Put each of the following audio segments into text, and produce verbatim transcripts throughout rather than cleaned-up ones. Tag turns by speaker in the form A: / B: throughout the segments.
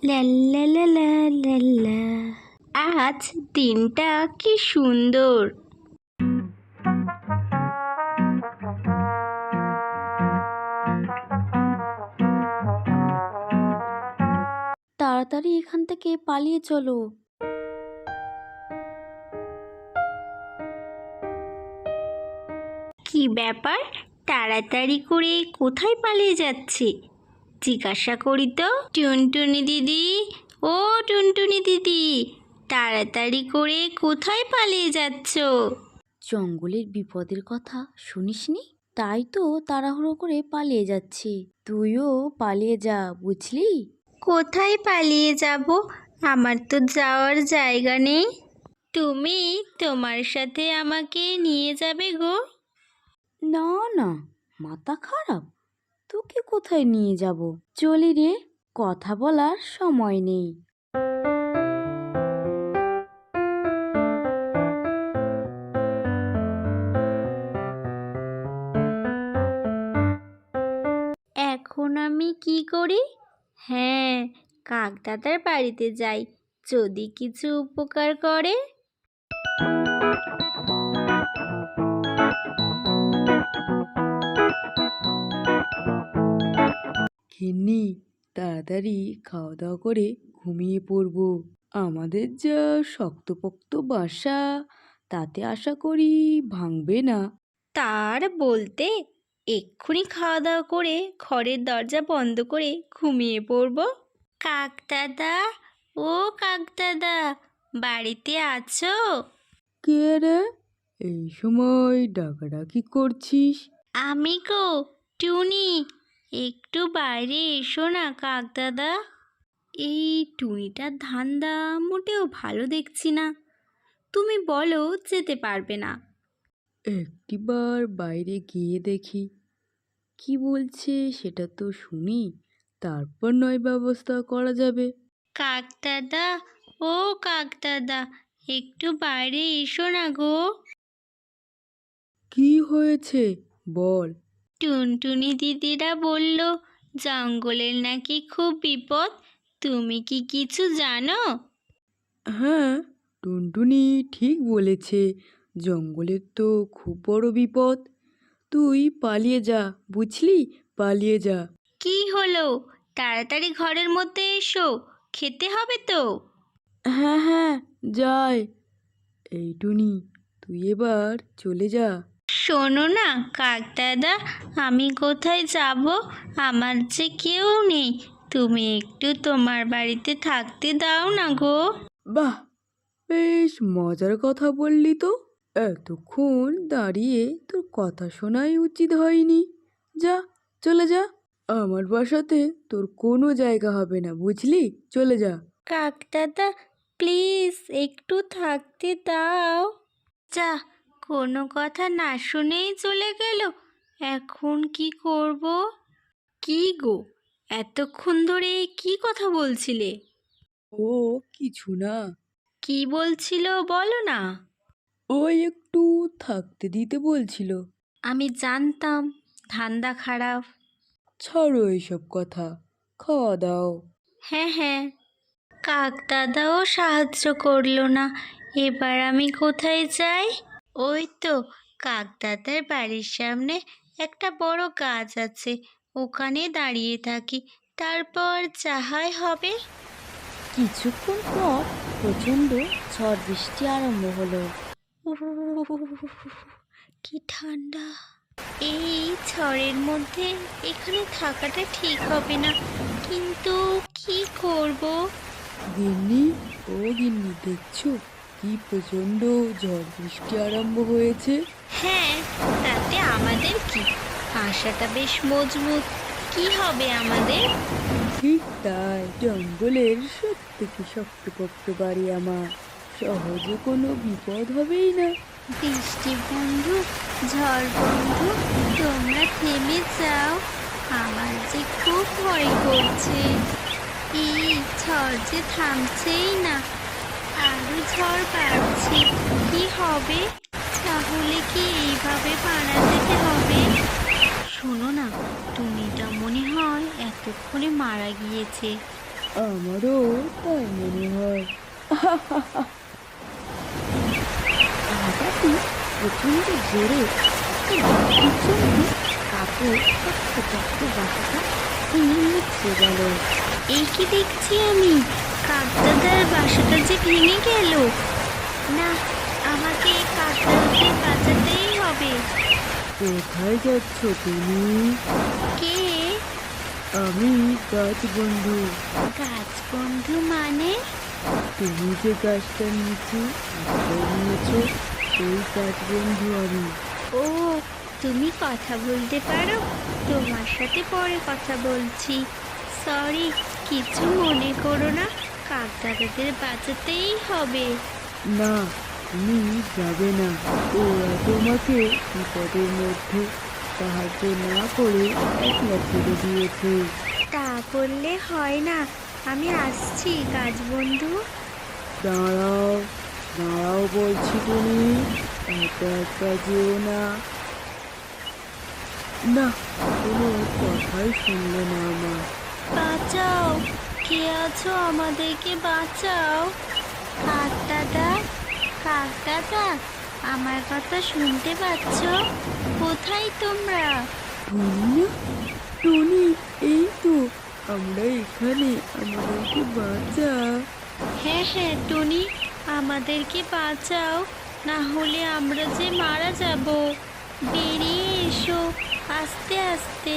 A: লা লা লা লা লা লা। আজ দিনটা কি সুন্দর।
B: তাড়াতাড়ি এখান থেকে পালিয়ে চলো।
A: কি ব্যাপার, তাড়াতাড়ি করে কোথায় পালিয়ে যাচ্ছে? জিজ্ঞাসা করি তো। টুনটুনি দিদি, ও টুনটুনি দিদি, তাড়াতাড়ি করে কোথায় পালিয়ে যাচ্ছ?
B: জঙ্গলের বিপদের কথা শুনিসনি? তাই তো তাড়াহুড়ো করে পালিয়ে যাচ্ছি। তুইও পালিয়ে যা, বুঝলি?
A: কোথায় পালিয়ে যাব? আমার তো যাওয়ার জায়গা নেই। তুমি তোমার সাথে আমাকে নিয়ে যাবে গো?
B: না না, মাথা খারাপ, তোকে কোথায় নিয়ে যাব? চলি রে, কথা বলার সময় নেই।
A: এখন আমি কি করি? হ্যাঁ, কাকদাদার বাড়িতে যাই, যদি কিছু উপকার করে।
C: গিন্নি, তাড়াতাড়ি খাওয়া দাওয়া করে ঘুমিয়ে পড়বো। আমাদের যা শক্তপোক্ত বাসা, তাতে আশা করি ভাঙবে না।
A: তার বলতে এক্ষুনি খাওয়া দাওয়া করে ঘরের দরজা বন্ধ করে ঘুমিয়ে পড়ব। কাকদাদা, ও কাকদাদা, বাড়িতে আছো?
C: কে রে, এই সময় ডাকাডাকি করছিস?
A: আমি গো, টুনি। একটু বাইরে এসো না কাকদাদা। এই টুনিটার ধান্দা মোটেও ভালো দেখছি না। তুমি বলো যেতে পারবে না।
C: একটিবার বাইরে গিয়ে দেখি কি বলছে, সেটা তো শুনি, তারপর নয় ব্যবস্থা করা যাবে।
A: কাকদাদা, ও কাকদাদা, একটু বাইরে এসো না গো।
C: কি হয়েছে বল?
A: টুনটুনি দিদিরা বলল জঙ্গলের নাকি খুব বিপদ। তুমি কি কিছু জানো?
C: হ্যাঁ, টুনটুনি ঠিক বলেছে, জঙ্গলের তো খুব বড় বিপদ। তুই পালিয়ে যা, বুঝলি, পালিয়ে যা।
A: কি হলো? তাড়াতাড়ি ঘরের মধ্যে এসো, খেতে হবে তো।
C: হ্যাঁ হ্যাঁ, যাই। এই টুনি, তুই এবার চলে যা।
A: শোনো না কাকদাদা, আমি কোথায় যাব? আমার যে কেউ নেই, তুমি একটু তোমার বাড়িতে থাকতে দাও না গো।
C: বাহ, বেশ মজার কথা বললি তো। এতক্ষণ দাঁড়িয়ে তোর কথা শোনাই উচিত হয়নি। যা, চলে যা। আমার বাসাতে তোর কোনো জায়গা হবে না, বুঝলি, চলে যা।
A: কাকদাদা, প্লিজ একটু থাকতে দাও। যা, কোনো কথা না শুনেই চলে গেল। এখন কি করব? কি গো, এতক্ষণ ধরে কি কথা বলছিলে?
C: ও কিছু না,
A: কি বলছিল বলো না।
C: ওই একটু থাকতে দিতে বলছিল।
A: আমি জানতাম ধান্দা খারাপ।
C: ছাড়ো এইসব কথা, খাওয়া দাও।
A: হ্যাঁ হ্যাঁ, কাকদাদাও সাহায্য করলো না। এবার আমি কোথায় যাই? ওই তো কাকদাদার বাড়ির সামনে একটা বড় গাছ আছে, ওখানে দাঁড়িয়ে থাকি, তারপর যাহাই হবে।
B: কিছুক্ষণ পর প্রচণ্ড ঝড় বৃষ্টি আরম্ভ হলো।
A: উহ, কি ঠান্ডা! এই ঝড়ের মধ্যে এখানে থাকাটা ঠিক হবে না, কিন্তু কি করব?
C: গিন্নি, ও গিন্নি, দেখছো কি প্রচণ্ড ঝড় বৃষ্টি আরম্ভ হয়েছে?
A: হ্যাঁ, তাতে আমাদের কি? আশাটা বেশ মজবুত, কি হবে আমাদের?
C: ঠিক তাই, জঙ্গলের সব থেকে শক্তপোক্ত বাড়ি আমার, সহজে কোনো বিপদ হবেই না।
A: বৃষ্টি বন্ধু, ঝড় বন্ধু, তোমরা থেমে যাও, আমার যে খুব ভয় করছে। এই ঝড় যে থামছেই না, আরো ঝড় বাড়ছে। কি হবে? তাহলে কি এইভাবে মারা যেতে হবে? শোনো না, টুনিটা মনে হয় এতক্ষণে মারা গিয়েছে।
C: আমারও তাই মনে হয়।
B: হঠাৎই প্রচণ্ড জোরে একটা বৃষ্টির জন্য কাকের ছোট্ট ছোট্ট বাসাটা ভেঙে মুচড়ে গেল।
A: এই কি দেখছি আমি, কাকদাদার বাসাটা যে ভেঙে গেল। না, আমাকে এই কাকদাদাদের বাঁচাতেই হবে।
C: কোথায় যাচ্ছ তুমি?
A: কে?
C: আমি গাছ বন্ধু।
A: গাছ বন্ধু মানে?
C: তুমি যে গাছটার নিচে আশ্রয় নিয়েছো, সেই গাছ বন্ধু আমি।
A: ও, তুমি কথা বলতে পারো? তোমার সাথে পরে কথা বলছি। সরি, কিছু মনে করো না, কাকদাদাদের বাঁচাতেই হবে।
C: না, তুমি যাবে না। ওরা তোমাকে বিপদের মধ্যে সাহায্য না করে একলা ছেড়ে দিয়েছে।
A: তা বললে হয় না, আমি আসছি গাছ বন্ধু।
C: দাঁড়াও, দাঁড়াও বলছি, তুমি একা একা যেও না। না, কোনো কথাই শুনলে না আমার।
A: বাঁচাও, কে আছো, আমাদেরকে বাঁচাও। কাক দাদা, কাক দাদা, আমার কথা শুনতে পাচ্ছ? কোথায় তোমরা?
C: টুনি না? টুনি, এই তো আমরা এখানে, আমাদেরকে বাঁচা।
A: হ্যাঁ হ্যাঁ টুনি, আমাদেরকে বাঁচাও, না হলে আমরা যে মারা যাব। বেরিয়ে এসো, আস্তে আস্তে।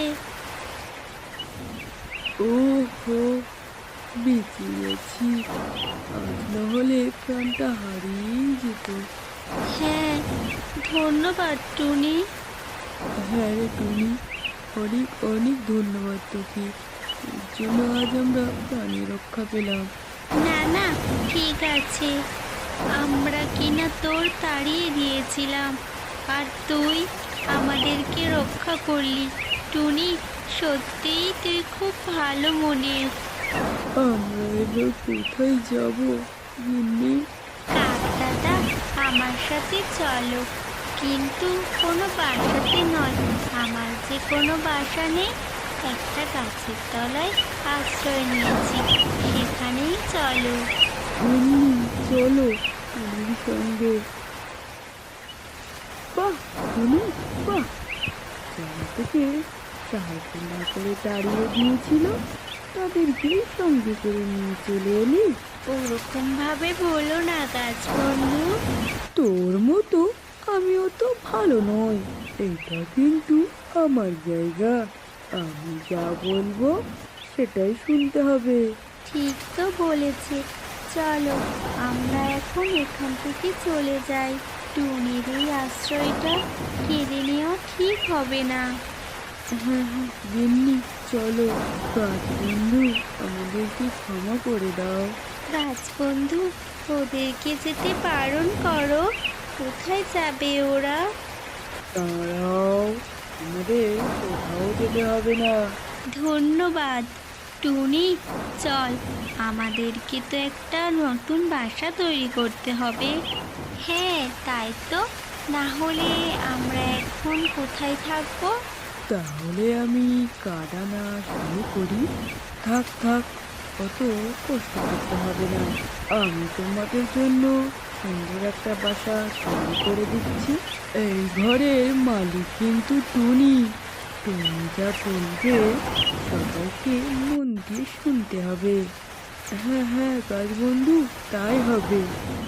C: ও হো, বেঁচে গেছি। আজ না হলে প্রাণটা হারিয়েই যেত।
A: হ্যাঁ, ধন্যবাদ টুনি।
C: হ্যাঁ রে টুনি, অনেক অনেক ধন্যবাদ তোকে। এর জন্য আজ আমরা প্রাণী রক্ষা পেলাম।
A: না না, ঠিক আছে, আমরা কিনা তোর তাড়িয়ে দিয়েছিলাম, আর তুই আমাদেরকে রক্ষা করলি। টুনি, সত্যিই তুই খুব ভালো মনের।
C: আমরা এবার কোথায় যাব গিন্নি?
A: কাক দাদা, আমার সাথে চলো, কিন্তু কোনো বাসাতে নয়। আমার যে কোনো বাসা নেই, একটা গাছের তলায় আশ্রয় নিয়েছি, সেখানেই চলো।
C: গিন্নি, চলো টুনির সঙ্গে। বাহ টুনি, বাহ! যারা তোকে সাহায্য না করে তাড়িয়ে দিয়েছিল, তাদেরকে সঙ্গে করে নিয়ে চলে এলি।
A: ওরকম ভাবে বলো না গাছ বন্ধু।
C: তোর মতো আমিও তো ভালো নই। এটা কিন্তু আমার জায়গা, আমি যা বলবো সেটাই শুনতে হবে।
A: ঠিক তো বলেছে, চলো আমরা এখন এখান থেকে চলে যাই। টুনির এই আশ্রয়টা কেড়ে নেওয়া ঠিক হবে না।
C: হ্যাঁ হ্যাঁ গিন্নি, চলো। গাছ বন্ধু, আমাদেরকে ক্ষমা করে দাও।
A: গাছ বন্ধু, ওদেরকে যেতে বারণ করো। কোথায় যাবে ওরা?
C: দাঁড়াও, আমাদের কোথাও যেতে হবে না।
A: ধন্যবাদ টুনি। চল, আমাদেরকে তো একটা নতুন বাসা তৈরি করতে হবে। হ্যাঁ তাই তো, না হলে আমরা এখন কোথায় থাকবো?
C: তাহলে আমি কাটা না শুরু করি। থাক থাক, অত কষ্ট করতে হবে না। আমি তোমাদের জন্য সুন্দর একটা বাসা তৈরি করে দিচ্ছি। এই ঘরের মালিক কিন্তু টুনি। তুমি যা বলবে সবাইকে মন দিয়ে শুনতে হবে। হ্যাঁ হ্যাঁ গাছ বন্ধু, তাই হবে।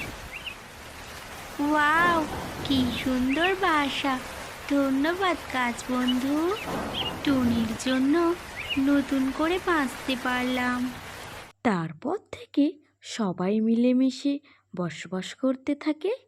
A: ওয়াও, কি সুন্দর বাসা। ধন্যবাদ গাছ বন্ধু, টুনির জন্য নতুন করে বাঁচতে পারলাম।
B: তারপর থেকে সবাই মিলেমিশে বসবাস করতে থাকে।